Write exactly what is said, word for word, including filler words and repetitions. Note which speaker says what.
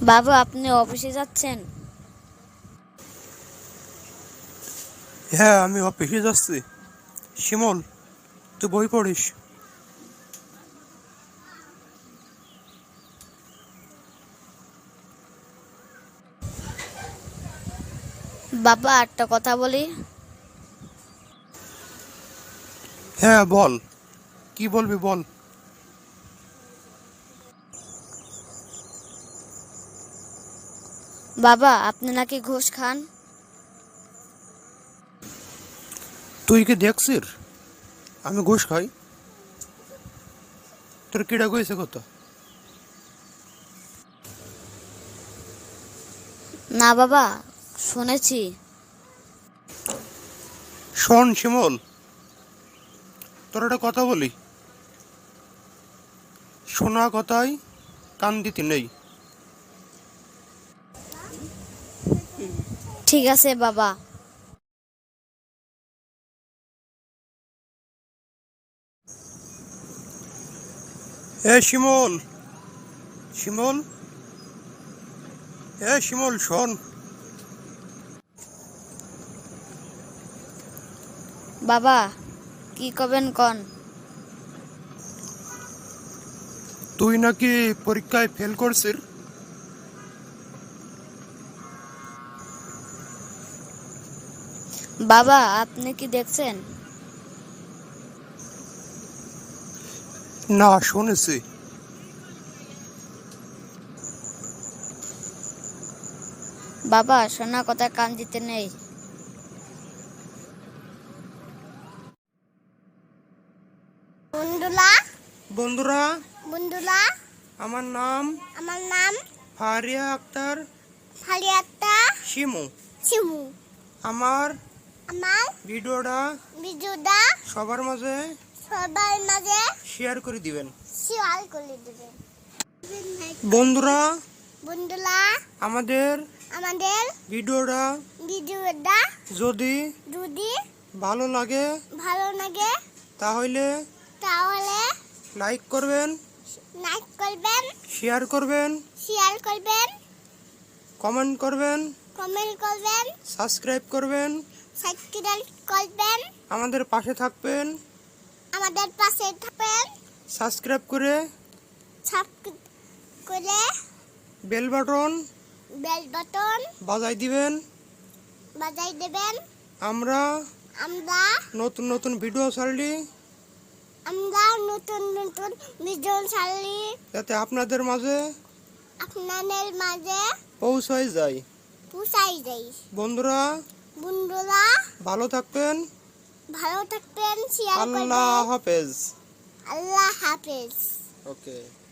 Speaker 1: বাবা, আপনি অফিসে যাচ্ছেন?
Speaker 2: হ্যাঁ, আমি অফিসে যাচ্ছি। শিমুল, তুই বই পড়িস।
Speaker 1: বাবা, একটা কথা বলি।
Speaker 2: হ্যাঁ বল, কি বলবি বল।
Speaker 1: বাবা, আপনি নাকি ঘুষ খান?
Speaker 2: তুই কি দেখছিস আমি ঘুষ খাই? তোর কিডা কইছে কথা?
Speaker 1: না বাবা, শুনেছি।
Speaker 2: শোন শিমুল, তোর একটা কথা বলি, শোনা কথায় কান দিতে নেই।
Speaker 1: ঠিক আছে বাবা।
Speaker 2: এ শিমুল, শিমুল, এ শিমুল শোন।
Speaker 1: বাবা, কি করবেন কন?
Speaker 2: তুই নাকি পরীক্ষায় ফেল করছিস?
Speaker 1: বাবা, আপনি কি দেখছেন?
Speaker 2: না, শুনেছি।
Speaker 1: বাবা, শোনা কথা কান দিতে নেই। বন্ধুরা
Speaker 2: বন্ধুরা,
Speaker 1: বন্ধুরা
Speaker 2: আমার নাম
Speaker 1: আমার নাম
Speaker 2: ফারিয়া আক্তার
Speaker 1: ফারিয়াত্তা
Speaker 2: শিমু।
Speaker 1: শিমু।
Speaker 2: আমার
Speaker 1: আমার
Speaker 2: ভিডিওটা
Speaker 1: ভিডিওটা
Speaker 2: সবার মাঝে
Speaker 1: সবার মাঝে
Speaker 2: শেয়ার করে দিবেন।
Speaker 1: শেয়ার করে দেবেন।
Speaker 2: বন্ধুরা,
Speaker 1: বন্ধুরা,
Speaker 2: আমাদের
Speaker 1: আমাদের
Speaker 2: ভিডিওটা
Speaker 1: ভিডিওটা
Speaker 2: যদি
Speaker 1: যদি
Speaker 2: ভালো লাগে
Speaker 1: ভালো লাগে
Speaker 2: তাহলে
Speaker 1: তাহলে
Speaker 2: লাইক করবেন,
Speaker 1: লাইক করবেন,
Speaker 2: শেয়ার করবেন,
Speaker 1: শেয়ার করবেন,
Speaker 2: কমেন্ট করবেন,
Speaker 1: কমেন্ট করবেন,
Speaker 2: সাবস্ক্রাইব করবেন,
Speaker 1: সাবস্ক্রাইব করবেন,
Speaker 2: আমাদের পাশে থাকবেন।
Speaker 1: আমাদের পাশে থাকবেন,
Speaker 2: সাবস্ক্রাইব করে
Speaker 1: সাবস্ক্রাইব করে
Speaker 2: বেল বাটন
Speaker 1: বেল বাটন
Speaker 2: বাজাই দিবেন।
Speaker 1: বাজাই দেবেন।
Speaker 2: আমরা
Speaker 1: আমরা
Speaker 2: নতুন নতুন ভিডিও ছাড়লি
Speaker 1: আমরা নতুন নতুন ভিডিও ছাড়লি
Speaker 2: যাতে আপনাদের মাঝে
Speaker 1: আপনাদের মাঝে
Speaker 2: পৌঁছায় যায়।
Speaker 1: পৌঁছাই যাই।
Speaker 2: বন্ধুরা,
Speaker 1: বন্ধুরা,
Speaker 2: ভালো থাকবেন।
Speaker 1: ভালো থাকবেন, শেয়ার
Speaker 2: আল্লাহ
Speaker 1: করবেন।
Speaker 2: হাফেজ।
Speaker 1: আল্লাহ হাফেজ।
Speaker 2: ওকে।